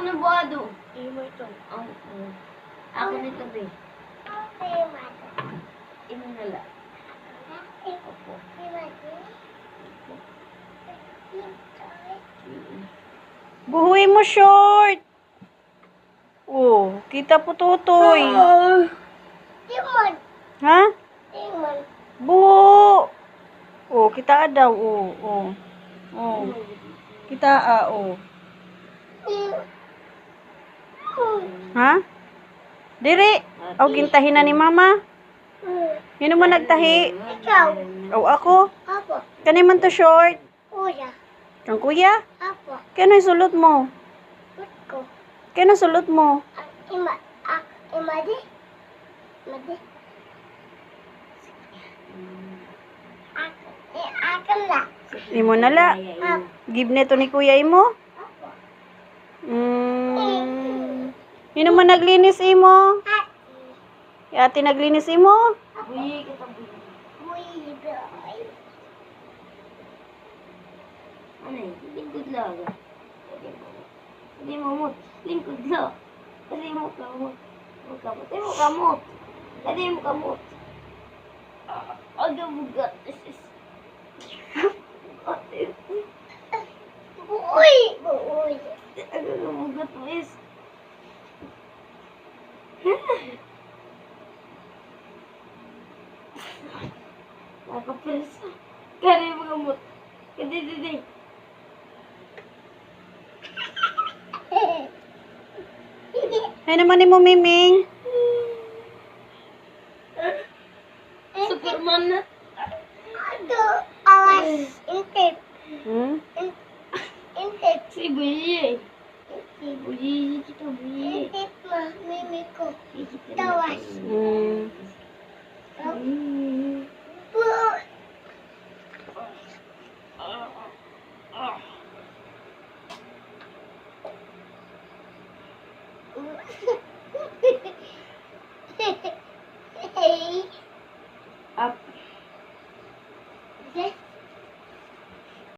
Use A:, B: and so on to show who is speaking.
A: na buhado.
B: Imo ito.
A: Ako nito, be. Imo na lang. Opo.
B: Buhuin mo short. Oh, kita po tutoy. Ha? Buho. Oh, kita daw. Oh, oh. Oh. Kita oh. Ha? Diri. Oh, gintahin na ni mama. Sino mo nagtahi?
C: Ikaw.
B: Oh, ako.
C: Apo.
B: Kani man to short.
C: Kuya.
B: Kang kuya?
C: Apo.
B: Kano sulot mo?
C: Utko.
B: Kano sulot mo?
C: Imadi. Imadi. Akan la.
B: Imo na la. Give neto ni kuya imo.
C: Apo.
B: Sino man naglinis imo? Ate naglinis imo?
A: Buyi kita, buyi.
C: Uy, boy.
A: Ano eh? Lingkod lang. Hindi mo mut. Lingkod lang. Hindi mo kamot. Hindi mo kamot. Hindi mo kamot. Aga bugat.
C: Uy. Uy.
A: Aga bugat, miss. Nakapirsa. Kaya mo kamot. Hindi.
B: Ay naman ni mo miming.
A: Superman na.
C: Ato. Awas. Intip. Intip.
A: Si Buyi. Si Buyi. Kita Buyi.
C: Intip mo. Mimi ko.
A: Kita
C: Tawas. Hey.